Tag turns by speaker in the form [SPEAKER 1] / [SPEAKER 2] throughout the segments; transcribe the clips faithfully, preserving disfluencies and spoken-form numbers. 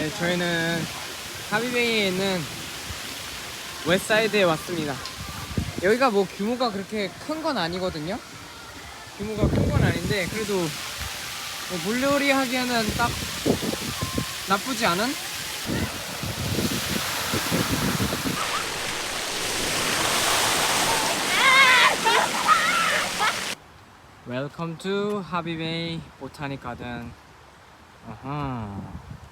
[SPEAKER 1] 네, 저희는 하비베이에 있는 웨스트사이드에 왔습니다. 여기가 뭐 규모가 그렇게 큰 건 아니거든요. 규모가 큰 건 아닌데 그래도 뭐 물놀이 하기에는 딱 나쁘지 않은? Welcome to 하비베이 보타닉 가든. 아하.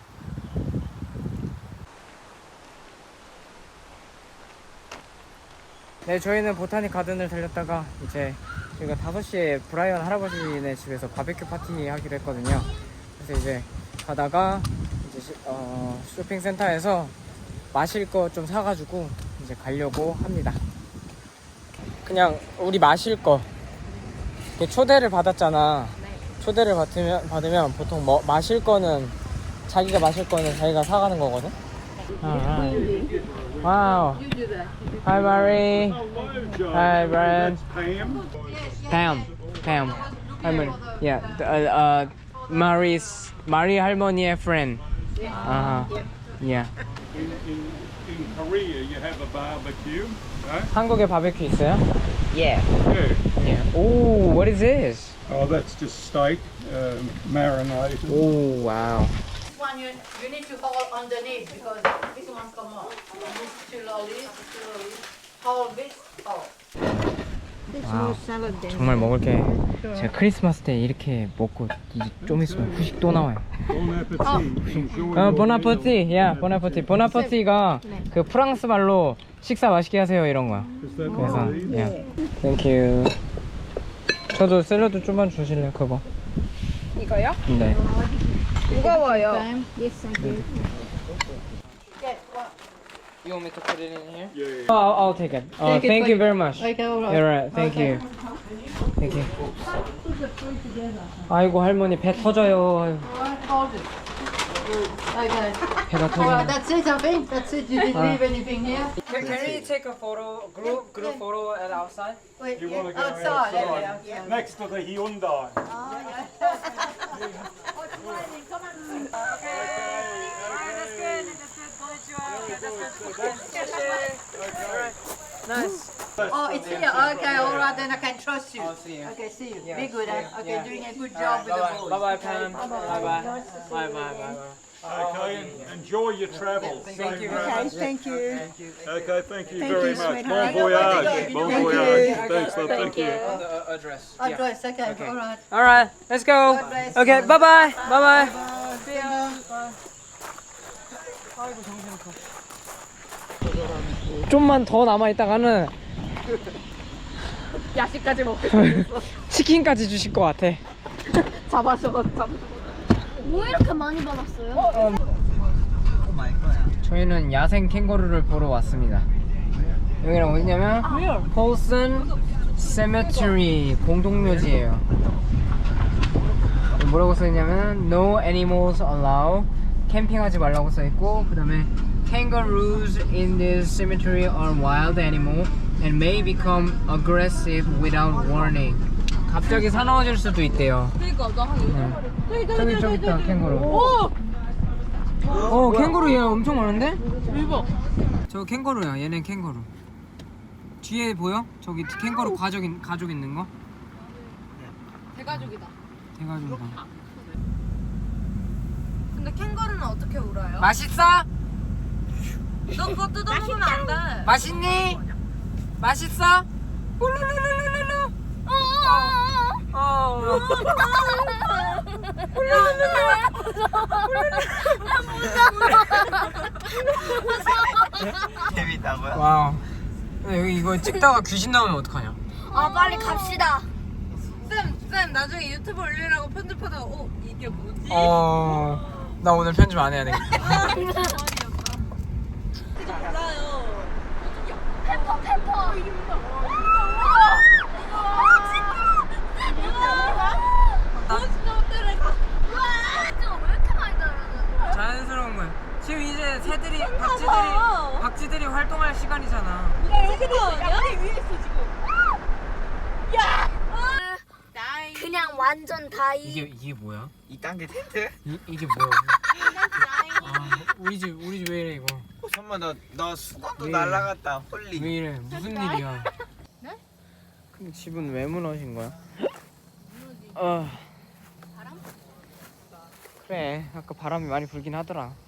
[SPEAKER 1] 네, 저희는 보타닉 가든을 달렸다가 이제 저희가 다섯 시에 브라이언 할아버지네 집에서 바베큐 파티 하기로 했거든요. 그래서 이제 가다가 이제 시, 어, 쇼핑센터에서 마실 거 좀 사가지고 이제 가려고 합니다. 그냥 우리 마실 거 초대를 받았잖아. 초대를 받으면, 받으면 보통 뭐, 마실 거는 자기가 마실 거는 자기가 사가는 거거든. 아, 와우. Hi Mary. Hi Brian. Pam. Pam. 할머니. Yeah. The, uh, uh, Mary's Mary 할머니의 friend. Uh huh. Yeah.
[SPEAKER 2] In, in, in Korea, you have a barbecue. Right?
[SPEAKER 1] 한국에 바베큐 있어요? Yeah.
[SPEAKER 2] Yeah.
[SPEAKER 1] Yeah. Oh, what is this?
[SPEAKER 2] Oh, that's just steak, um, marinated.
[SPEAKER 1] Oh, wow.
[SPEAKER 3] This one you, you need to hold underneath because this one come off. This slowly, slowly. Hold this, hold.
[SPEAKER 1] 와우. 정말 먹을 게 제가 크리스마스 때 이렇게 먹고 이제 좀 있으면 후식 또 나와요.
[SPEAKER 2] Bon appetit. Enjoy
[SPEAKER 1] 어,
[SPEAKER 2] your
[SPEAKER 1] 보나포티, 야, 보나포티. 보나포티가 그 프랑스 말로 식사 맛있게 하세요 이런 거야.
[SPEAKER 2] Is that
[SPEAKER 1] 그래서,
[SPEAKER 2] right?
[SPEAKER 1] 야, 땡큐. 저도 샐러드 좀만 주실래요, 그거?
[SPEAKER 4] 이거요?
[SPEAKER 1] 네.
[SPEAKER 4] 무거워요.
[SPEAKER 3] Yes, thank you.
[SPEAKER 1] You want me to put it in here?
[SPEAKER 2] Yeah, yeah.
[SPEAKER 1] Oh, I'll, I'll take it. Oh,
[SPEAKER 3] Take it
[SPEAKER 1] thank
[SPEAKER 3] for
[SPEAKER 1] you
[SPEAKER 3] you.
[SPEAKER 1] very much.
[SPEAKER 3] Okay, all right.
[SPEAKER 1] You're right. Thank
[SPEAKER 3] Okay.
[SPEAKER 1] you. Thank you. 아이고 할머니 배 터져요.
[SPEAKER 3] All right, hold it. Okay.
[SPEAKER 1] 배가
[SPEAKER 3] All right,
[SPEAKER 1] 터져.
[SPEAKER 3] that's it, I think. That's it. You didn't
[SPEAKER 1] All right.
[SPEAKER 3] leave anything here.
[SPEAKER 1] Can, can we take a photo, group group photo at outside?
[SPEAKER 3] Wait,
[SPEAKER 2] You
[SPEAKER 3] yeah,
[SPEAKER 2] wanna go
[SPEAKER 3] outside.
[SPEAKER 2] outside?
[SPEAKER 3] Yeah, outside.
[SPEAKER 2] Next to the Hyundai.
[SPEAKER 1] Nice.
[SPEAKER 3] Oh, it's here. Okay, all right, then I can trust you.
[SPEAKER 1] I'll see you.
[SPEAKER 3] Okay, see you.
[SPEAKER 1] Yeah,
[SPEAKER 3] Be good,
[SPEAKER 1] see
[SPEAKER 3] huh?
[SPEAKER 1] you.
[SPEAKER 3] Okay,
[SPEAKER 1] Yeah.
[SPEAKER 3] doing a good
[SPEAKER 1] Bye
[SPEAKER 3] job with the
[SPEAKER 1] bye.
[SPEAKER 3] boys.
[SPEAKER 1] Bye bye Pam. Bye bye. Bye bye bye bye.
[SPEAKER 2] Okay, and enjoy your travels.
[SPEAKER 1] Thank you.
[SPEAKER 4] Okay, thank you.
[SPEAKER 2] Okay, thank you
[SPEAKER 4] Thank
[SPEAKER 2] very
[SPEAKER 4] you,
[SPEAKER 2] much.
[SPEAKER 4] sweetheart.
[SPEAKER 2] Bon voyage.
[SPEAKER 3] Thank
[SPEAKER 2] Bon
[SPEAKER 3] you.
[SPEAKER 2] voyage.
[SPEAKER 4] Thank
[SPEAKER 2] Thanks, love. Thank you.
[SPEAKER 1] On the uh, address. Yeah.
[SPEAKER 3] Address, okay,
[SPEAKER 1] Okay.
[SPEAKER 3] all right.
[SPEAKER 1] All right. Let's go.
[SPEAKER 3] God bless.
[SPEAKER 1] Okay. Bye bye. Bye bye.
[SPEAKER 3] See you.
[SPEAKER 1] 아이고 정신없어. 좀만 더 남아 있다가는
[SPEAKER 4] 야식까지 먹고
[SPEAKER 1] 치킨까지 주실 것 같아.
[SPEAKER 4] 잡아서 잡아.
[SPEAKER 5] 뭐 이렇게 많이 받았어요?
[SPEAKER 1] 저희는 야생 캥거루를 보러 왔습니다. 여기는 어디냐면 폴슨 세메트리 공동묘지예요. 뭐라고 써있냐면 No animals allowed. 캠핑하지 말라고 써있고, 그 다음에 Kangaroos in this cemetery are wild animal and may become aggressive without warning. 갑자기 사나워질 수도 있대요.
[SPEAKER 4] 그러니까 나 한
[SPEAKER 1] 네. 저기 저기 있다 캥거루. 오! 어 캥거루 얘 엄청 많은데?
[SPEAKER 4] 대박.
[SPEAKER 1] 저 캥거루야. 얘는 캥거루. 뒤에 보여? 저기 캥거루 가족, 있, 가족 있는 거?
[SPEAKER 4] 대가족이다.
[SPEAKER 1] 대가족이다.
[SPEAKER 4] 근데 캥거루는 어떻게 울어요?
[SPEAKER 1] 맛있어?
[SPEAKER 4] 너 그거 뜯어먹으면 안 돼.
[SPEAKER 1] 맛있니? 맛있어? 훌루루루루루. 어.
[SPEAKER 5] 재밌다고요?
[SPEAKER 1] 와우. 여기 이거 찍다가 귀신 나오면 어떡하냐?
[SPEAKER 5] 아 빨리 갑시다.
[SPEAKER 4] 쌤, 쌤 나중에 유튜브 올리라고 편집하다가 어 이게 뭐지?
[SPEAKER 1] 어. 나 오늘 편집 안 해야 되겠다.
[SPEAKER 4] 몰라요.
[SPEAKER 5] 페퍼 페퍼.
[SPEAKER 4] 몬스터들을 가.
[SPEAKER 5] 진짜 왜 이렇게 많이 달아요?
[SPEAKER 1] 자연스러운 거야. 지금 이제 새들이 박쥐들이
[SPEAKER 4] 봐.
[SPEAKER 1] 박쥐들이 활동할 시간이잖아.
[SPEAKER 4] 야 여기도 아니야? 위에 있어 지금. 야. 나이.
[SPEAKER 5] 그냥 완전 다이.
[SPEAKER 1] 이게 이게 뭐야?
[SPEAKER 6] 이 단계 텐트?
[SPEAKER 1] 이 이게 뭐야?
[SPEAKER 5] 나이.
[SPEAKER 1] 아, 우리 집 우리 집 왜 이래 이거?
[SPEAKER 6] 선마 나나 수건도
[SPEAKER 1] 왜?
[SPEAKER 6] 날라갔다. 홀리.
[SPEAKER 1] 왜 이래? 무슨 일이야? 네? 근데 집은 왜 무너진 거야? 어. 바람? 그래 아까 바람이 많이 불긴 하더라.